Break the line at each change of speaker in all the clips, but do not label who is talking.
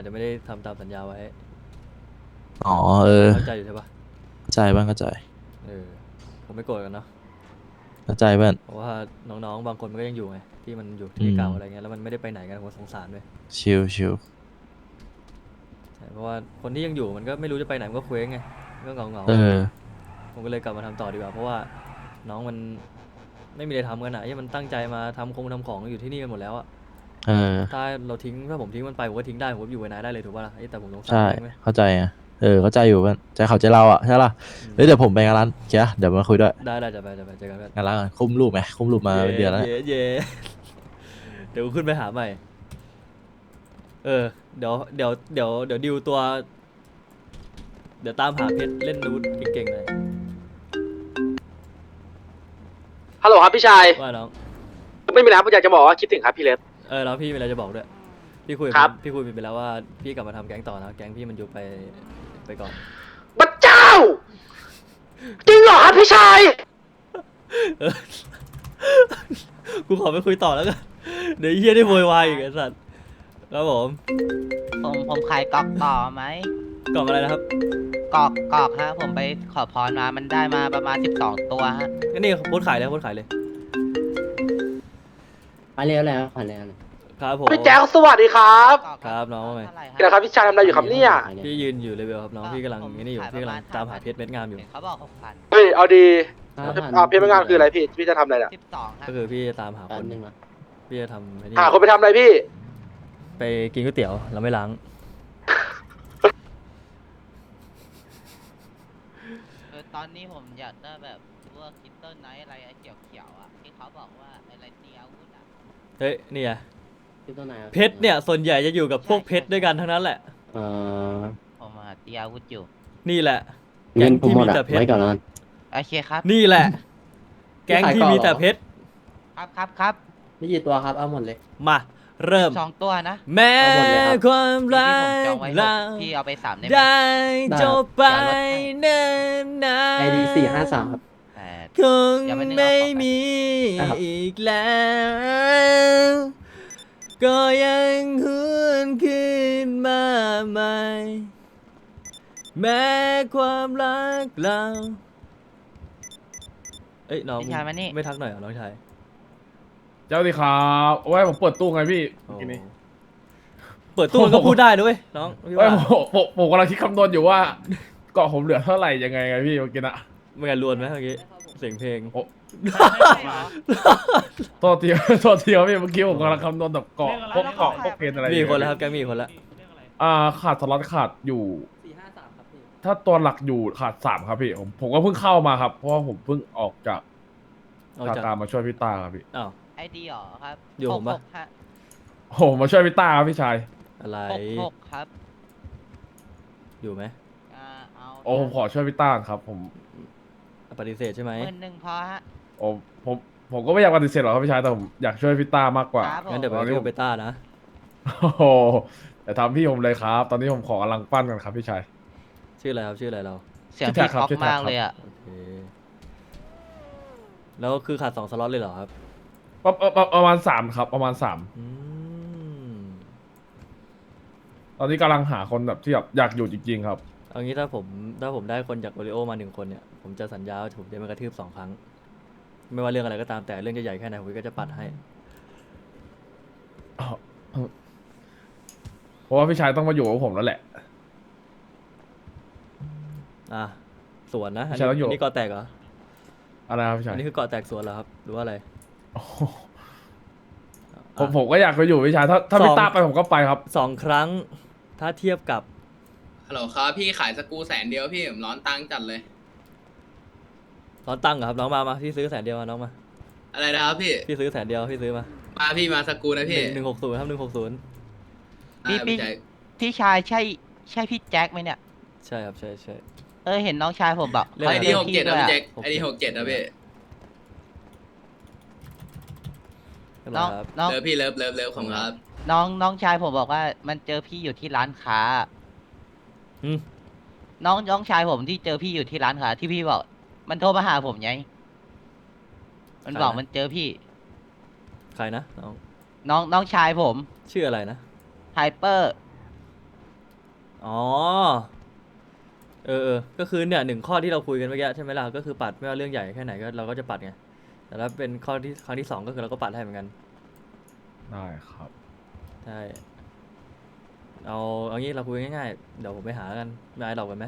อาจจะไม่ได้ทำตามสัญญาไว้
อ๋อเออ
เข้าใจอยู่ใช่ปะ
เข้าใจบ้างเข้าใจ
เออผมไม่โกรธกันเนาะ
เข้าใจบ้าง
เพราะว่าน้องๆบางคนมันก็ยังอยู่ไงที่มันอยู่
อื
ที่
ม
เก่าอะไรเงี้ยแล้วมันไม่ได้ไปไหนกันผมสงสารด้วย
ชิลชิล
ใช่เพราะว่าคนที่ยังอยู่มันก็ไม่รู้จะไปไหนมันก็เคว้งไงก็เหงา
เออ
ๆผมก็เลยกลับมาทำต่อดีกว่าเพราะว่าน้องมันไม่มีอะไรทำกันอ่ะที่มันตั้งใจมาทำของอยู่ที่นี่กันหมดแล้วอะ
เออ
ถ้าผมทิ้งมันไปผมก็ทิ้งได้ผมก็อยู่กับนายได้เลยถูกป่ะล่ะแต่ผมสงสาร
ใช่
แม่งไหม
เข้าใจอ่ะเออเข้าใจอยู่บ้างใจเขาใจเราอ่ะใช่ปะเฮ้ยเดี๋ยวผมไปงานร้านเกียร์เดี๋ยวมาคุยด้วย
ได้จะไปเจอกันเพื่อน
งานร้านก่อนคุ้มรูปไหมคุ้มรูปมา
เย่
เป็นเดือนแล้วเนี่ย
เย่เดี๋ยวกูขึ้นไปหาใหม่เออเดี๋ยวดิวตัวเดี๋ยวตามหาเพชรเล่นนูดเก่งๆหน่อย
ฮัลโหลครับพี่ชาย
ว่าน้อง
ไม่มีอะไรครับผมอยากจะบอกว่าคิดถึงครับพี่เลส
แล้วพี่มีอะไรจะบอกด้วยพี่คุย
ครับ
พี่คุยไปแล้วว่าพี่กลับมาทำแก๊งต่อนะแก๊งพี่มันยุบไปก่อน
พระเจ้าจริงเหรอครับพี่ชาย
เออกูขอไปคุยต่อแล้วกันเดี๋ยวไอ้เฮียได้โวยวายอีกไอ้สัตว์ครับผม
ผมขายกอกต่อไหม
กล่องอะไรนะครับ
กอกฮะผมไปขอพรมามันได้มาประมาณ12 ตัวฮะ
ก็นี่โพสต์ขายเลยโพสต์ขายเลย
มาเร็วแล้วขอเร็วเลย
ครับผม
พี่แจ๊คสวัสดีครับ
กอก
ครับน้องว่าไง
เท่าไหร่ฮะ
นี่นะครับพี่ชายทำอะไรอยู่ครับเนี่ย
พี่ยืนอยู่เลเวลครับน้องพี่กำลัง
ผม
นี่อยู่
ขาย
พี่กำลัง
ประมาณ
ตามหาเพชรเม็ดงามอยู่
เห็นเขาบอก6,000
เฮ้ยเอาดี
ครับ
เพลงงานคืออะไรพี่จะทำอะไรน่ะ
12ฮะ
ก็คือพี่จะตามหา
แป๊
ค
บ
น
นึงนะ
พี่จะทำไอ้นี่
หาคนไปทำอะไรพี่
ไปกินก๋วยเตี๋ยวเราไม่ล้าง
ตอนนี้ผมอยากได้แบบพวกคิตเติ้ลไนท์อะไรเขียวๆอ่ะที่เขาบอกว่าอะไรตีอาวุธอ่ะ
เฮ้ยนี่ไง
ที่ตัวไหนครับ
เพชรเนี่ยส่วนใหญ่จะอยู่กับพวกเพชรด้วยกันทั้งนั้นแหละ
เอ่อ
ผมตีอาวุธอยู่
นี่แหละ
เงินผมหมด
แก๊งที่มีแต่
อะ
เพชร
ไว้ก่อนแล้วกัน
โอเคครับ
นี่แหละ แก๊งที่มีแต่เพชร
ครับ
มีกี่ตัวครับเอาหมดเลย
มาเริ่ม
2 ตัวนะ
แม้
เอาหมดเลยครับ
ความรั
ที่ผมจอง
ก
ไว้
เรา
พี่เอาไป3ได้ไหม
ได้จบไป
ได้
เนิ่นนา
ID 453ครับ
8
คง
อย่าไปนึกเอา
ไม่
ของไป
มี
ครับ
อีกแล้ว ก็ยังหวนขึ้นมาใหม่ แม้ความรักเราเอ้ยน้อง
พี่ชายมานี่
ไม่ทักหน่อยเหรอน้องชาย
เจ้าดีครับโอ้ยผมเปิดตู้ไงพี่เมื่อกี้นี้
เปิดตู้มันก็พูดได้ด้วยน้องพี่
โอ้ย
ว่า
ผมกำลังคิดคำนวณอยู่ว่าเกาะผมเหลือเท่าไหร่ยังไงไงพี่เมื่อกี้นะ
ไม่กันรวนไหมเมื่อกี้เสียงเพลง
โอ้โทษทีโทษทีครับพี่เมื่อกี้ผมกำลังคำนวณแบบเกาะพวกเกาะพวกเพนอะไร
มีคนแล้วครับแกมีคนแล้ว
ขาดสล็อตขาดอยู่
453ครับพี่
ถ้าตัวหลักอยู่ขาด3ครับพี่ผมก็เพิ่งเข้ามาครับเพราะว่าผมเพิ่งออกจาก
ออก
ทา
จาก
การมาช่วยพี่ตาครับพี่
อ้าว
ไอดีหรอครับ
อยู่ผมปะ
66ฮะ
โอ้มาช่วยพี่ตาครับพี่ชาย
อะไร
66ครับ
อยู่ไหม
เอา
โอ้ผมขอช่วยพี่ตาครับผม
ปฏิเสธใช่ไหม
10,000พอฮะ
โอ้ผมก็ไม่อยากปฏิเสธหรอกครับพี่ชายแต่ผมอยากช่วยพี่ตามากกว่า
ครับผม
งั้นเดี๋ยวไป
ตอนนี้
เรียกเบต้านะ
โอ้โหแต่ทำพี่ผมเลยครับ ตอนนี้ผมขอกำลังปั้นกันครับพี่ชาย
ชื่ออะไรครับชื่ออะไรเรา
เสียง
ชื่อ
พี่
แท็กครับ
ท็อก
ชื่อแท็ก
มาก
ครับ
เลยอ่ะ
โอเคแล้วคือขาด2 สล็อตเลยเหรอครับ
ประมาณ3ครับประมาณ3
อืม
ตอนนี้กำลังหาคนแบบที่แบบอยากอยู่จริงๆครับ
เอางี้ถ้าผมได้คนจากโอริโอมา1 คนเนี่ยผมจะสัญญาว่าผมจะมากระทืบ2 ครั้ง ไม่ว่าเรื่องอะไรก็ตามแต่เรื่องจะใหญ่แค่ไหนผมก็จะปัดให้
เพราะว่าพี่ชายต้องมาอยู่กับผมแล้วแหละ
อ่ะสวนนะอัน
ใช่แล้วอยู่
นี้เกาะแตกเหรอ
อะไรครับพี่
อั
ชาย
นนี้คือเกาะแตกสวนเหรอครับหรือว่าอะไร
โอ้โหผมก็อยากไปอยู่พี่ชายถ้าพี่ตาไปผมก็ไปครับ
2 ครั้งถ้าเทียบกับ
ฮัลโหลครับพี่ขายสกรู100,000พี่ผมร้อนตังค์จัดเลย
ตอนตั้งเหรอครับน้องมาพี่ซื้อ100,000มาน้องมา
อะไรนะครับพี่
พี่ซื้อ100,000พี่ซื้อมา
มาพี่มาสกรูนะพี่
160ครับ160
พี่
ได้พี่ใจ
พี่ชายใช่พี่แจ็คไหมเนี่ย
ใช่ครับใช่ใช่
เห็นน้องชายผมบอก
เรื่อง
ไอ
อะไร
ดี67นะพี่แจ็ค
67
ไอดี67นะพี่
เรียบร้
น้
อ
อย ง
ครับ
น้อง
เลิฟพี่เลิฟของครับ
น้องชายผมบอกว่ามันเจอพี่อยู่ที่ร้านค้า
อืม
น้องชายผมที่เจอพี่อยู่ที่ร้านค้าที่พี่บอก มันโทรมาหาผมไงมันบอกมันเจอพี่
ใครนะน้อง
น้องชายผม
ชื่ออะไรนะ
ไฮเปอร์
อ๋อก็คือเนี่ย1 ข้อที่เราคุยกันเมื่อกี้ใช่ไหมล่ะก็คือปัดไม่ว่าเรื่องใหญ่แค่ไหนก็เราก็จะปัดไงแต่ถ้าเป็นข้อที่ครั้งที่ 2ก็คือเราก็ปัดให้เหมือนกัน
ได้ครับ
ใช่เอางี้เราคุยง่ายๆเดี๋ยวผมไปหาแล้วกันไม่ไอ้ดอกกันไหม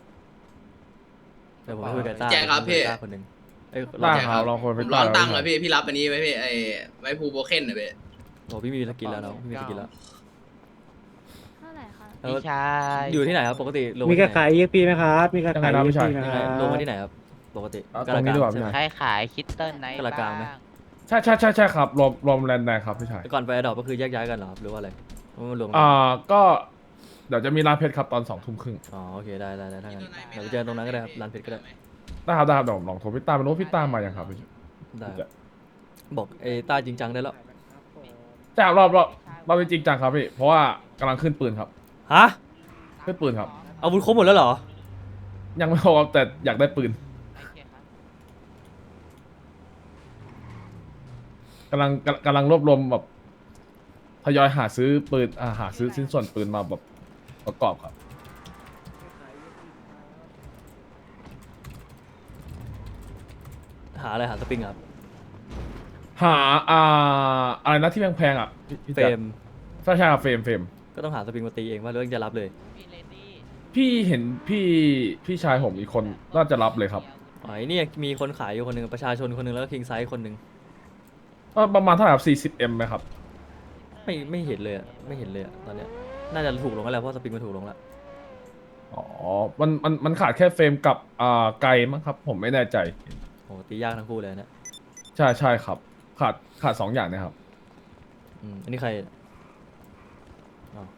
เดี๋ยวผมไปคุยกับต้า
แจ็คครับพี่
ต้าคนหนึ่งเอ้ย
ได้
เรา
ครับลองคุย
ผ
ไป
มร้อนตังค์
ห
อะพี่รับอันนี้ไว้พี่ไว้ภูโบเคนอะพี่
โอ้พี่มีสกินแล้วเนาะพี่มีสกินแล้ว
เท่าไหร่คะ
แล้ว
พี่ชาย
อยู่ที่ไหนครับปกติลง
มีกระ
ที่
ขา
ไหน
ย EXP ไหมครับ มีกระขาย
ยังไงนะพี่
EXP
ชาย
นะ
ยัง
ค
ไง
รับ
ลงมาที่ไหนครับปกติ
เอาตรงนี้ดีกว่า
ใช่ไหม
พี่
ใครขายคิดเติ้ลไหน
กระกลางไหม
บ้าง
ใช่ครับรวมแลนด์แดงครับพี่ชาย
แต่ก่อนไปดอกก็คือแยกย้ายกันเหรอครับหรือว่าอะไรว่ามันรวมกัน
ก็เดี๋ยวจะมีร้านเพชรครับตอน2 ทุ่มครึ่ง
อ๋อโอเคได้ถ้างั้นเดี๋ยวไปเจอกันตรงนั้นก็ได้ครับร้านเพชรก็ได้
ได้ครับเดี๋ยวผมลองโทรพี่ตามไปรู้ว่าพี่ตามมายังครับพี่
ได้ครับบอกไอ้ต้าจริงจังได้แล้ว
จ้ารอบจริงจังครับพี่เพราะว่ากำลังขึ้นปืนครับ
ฮะ
ขึ้นปืนครับ
อาวุธครบหมดแล้วเหรอ
ยังไม่พอครับแต่อยากได้ปืน
โอเคครับ
กำลังรวบรวมแบบทยอยหาซื้อปืนหาซื้อชิ้นส่วนปืนมาแบบประกอบครับ
หาอะไรหาสปริงครับ
หาอะไรนะที่แพงๆอ่ะพี่
เฟร
แจ๊ค
ม
ใช่ครับเฟรม
ก็ต้องหาสปริงมาตีเองว่าเรื่องจะรับเลย
พี่เลดี้
พี่เห็นพี่ชายผมอีกคนน่าจะรับเลยครับ
อ๋อไอ้เนี่ยมีคนขายอยู่คนหนึ่งประชาชนคนหนึ่งแล้วก็คิงไซส์คนหนึ่ง
ประมาณเท่าไหร่ครับ 40M ไหมครับ
ไม่เห็นเลยอะไม่เห็นเลยอะตอนเนี้ยน่าจะถูกลงแล้วแหละเพราะสปริงมันถูกลงแล้ว
อ๋อมันขาดแค่เฟรมกับไกลมั้งครับ ผมไม่แน่ใจ
โอ้ตียากทั้งคู่เลยนะ
ใช่ครับ ขาด2 อย่างนะครับ
อันนี้ใครอ๋อ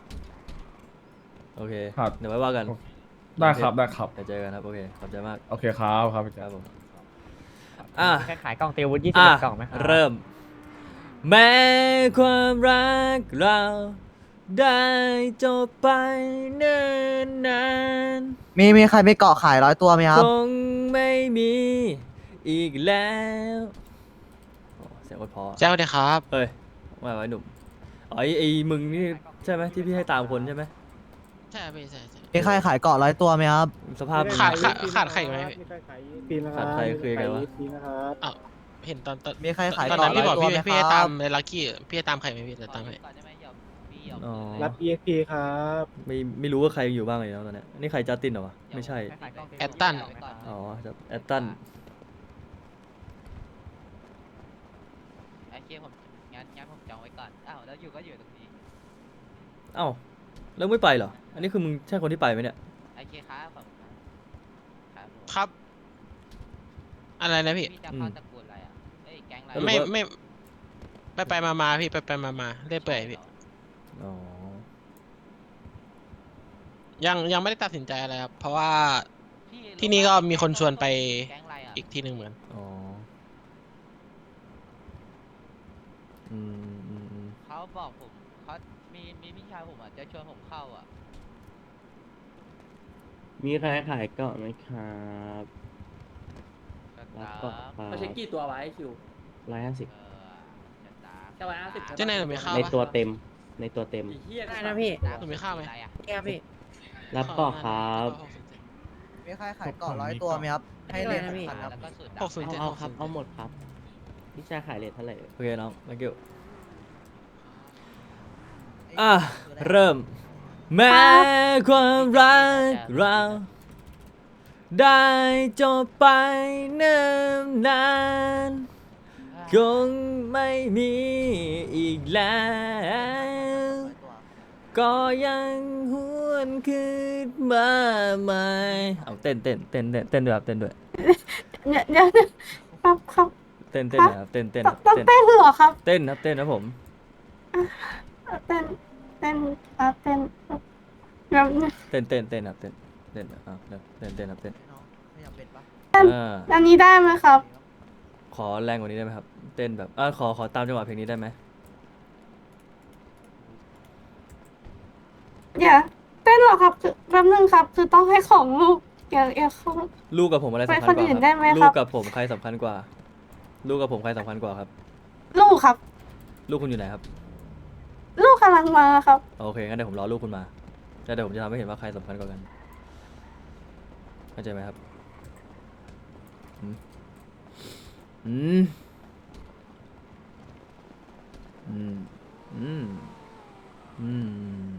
โอเค
ครับ
เดี๋ยวไว้ว่ากัน
ได้ครับ
เดี๋ยวเจอกันครับโอเคขอบใจมาก
โอเคครับพี่
ค
แจ๊
รั
ค
บผมอ่ะ
ขายกล่องเตรียมอาวุธ
อ่ะ
21 กล่องไหมครับ
เริ่ม แม้ความรักเราได้จบไปเนิ่นนาน
มีใครไม่เกาะขาย100 ตัวไหมค
ครับ งไม่มีอีกแล้วโอ้เสียงโคตรเพอ
เจ้าเดียครับ
เฮ้ยว่าไว้หนุ่มอ๋อไอ้มึงนี่ใช่ไหมที่พี่ให้ตามคนใช่ไหม
ใช่พี่ใช่ มีใครขายเกาะ100 ตัวไหมครับ
สภาพ
ขาดใครไหม
มีใครขาย EXP ไหมค
ขา
รับ
ดใครคือไงวะ
มีใครขาย EXP นะครับ
เห็นตอน
มีใครขาย
ตอน
เกาะ
นั้นพี่บอก
100 ตัวไหม
พี่ให้
ค
ตา
รั
ม
บ
ในลักกี้พี่ให้ตามใครไหมพี่จะตามใคร
ก่อนได้ไหมหยอกพี่หยอก
อ๋อ
รับ EXP ครับ
ไม่รู้ว่าใครอยู่บ้างเลยนะตอนเนี้ยนี่ใครจัสตินเหรอวะไม่ใช่
แอตตัน
อ๋อแอตตัน
โอเคผมงั้นผมจองไว้ก่อนอ้าวแล้วอยู่ก็อยู่ตรงนี้
เอ้าแล้วไม่ไปเหรออันนี้คือมึงใช่คนที่ไปไหมเนี่ย
โอเคครับผมครับผม
ครับ อะไรนะพี่
พี่จะเข้าตระกูลอะไรอ่ะเอ้ยแก๊งอะไร
ไม่ไปมาพี่ไปมาเรื่อยเปื่อยพี่
อ๋อ
ยังไม่ได้ตัดสินใจอะไรครับเพราะว่า
พี่
ที่นี่ก็มีคนชวนไป
แก๊งอะไรอ่ะ
อีกที่หนึ่งเหมือน
อ๋ออืม
เขาบอกผมเขามีพี่ชายผมอ่ะจะชวนผมเข้าอ่ะ
มีใครขายเกาะไหมครับ รับเกาะครัเขาใช้กี่ตัวไว้คิว 150
จะตาม
แค่150
เจ้านายหนูมีข้าว
ใน
ปะ
ตัวเต็ม ในตัวเต็ม
ได้นะพี่
หนูมีข้าวไหม
อะไรอ่ะ
แก้พี่
รับเกาะครับ
มีใครขายเกาะ100 ตัวไหมครับ ให้เรียน
ได้นะพี่
สักพันครับ
แล้วก็สุด
เอาครับ เอาหมดครับ พี่ชายขายเลทเท่าไหร่
โอเคน้อง thank you อ่ะเริ่ม แม้ความรักเราได้จบไปเนิ่นนานคงไม่มีอีกแล้ว ก็ยังหวนคืนมาใหม่เอาเต้นด้วยครับเต้นด้วย
เดี๋ยวครับ
เต้นนะครับเต้น
ต้องเต้นเหรอครับ
เต้นครับผม
เต้นครับเต้นแบบ
เต้นครับเต้นเอาเต้นครับเต้น
ขยับเป็ดปะ
อันนี้ได้ไหมครับ
ขอแรงกว่านี้ได้ไหมครับ เต้นแบบขอตามจังหวะเพลงนี้ได้ไหม
อย่าเต้นเหรอครับคือแป๊บนึงครับ คือต้องให้ของลูกอย่าเขา
ลูกกับผมอะไรสำคัญก
ไปคนอื่
ว่าน
ได้ไหม
ครับ
ครับ
ลูกกับผมใครสำคัญกว่า ลูกกับผมใครสำคัญกว่าครับ
ลูกครับ
ลูกคุณอยู่ไหนครับ
ลูกกำลังมาครับ
โอเคงั้นเดี๋ยวผมรอลูกคุณมาแต่เดี๋ยวผมจะทำให้เห็นว่าใครสำคัญกว่ากันเข้าใจไหมครับอืมอืมอืมอืมอืม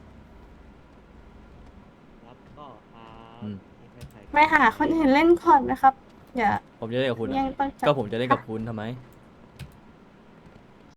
รับก็ครับ
อืม
ไปหาคนอื่นเล่นก่อนนะครับอย่า
ผมจะเล่นกับคุณ
ยั
อะ
งต้องจับ
ก็ผมจะเล่นกับคุณทำไม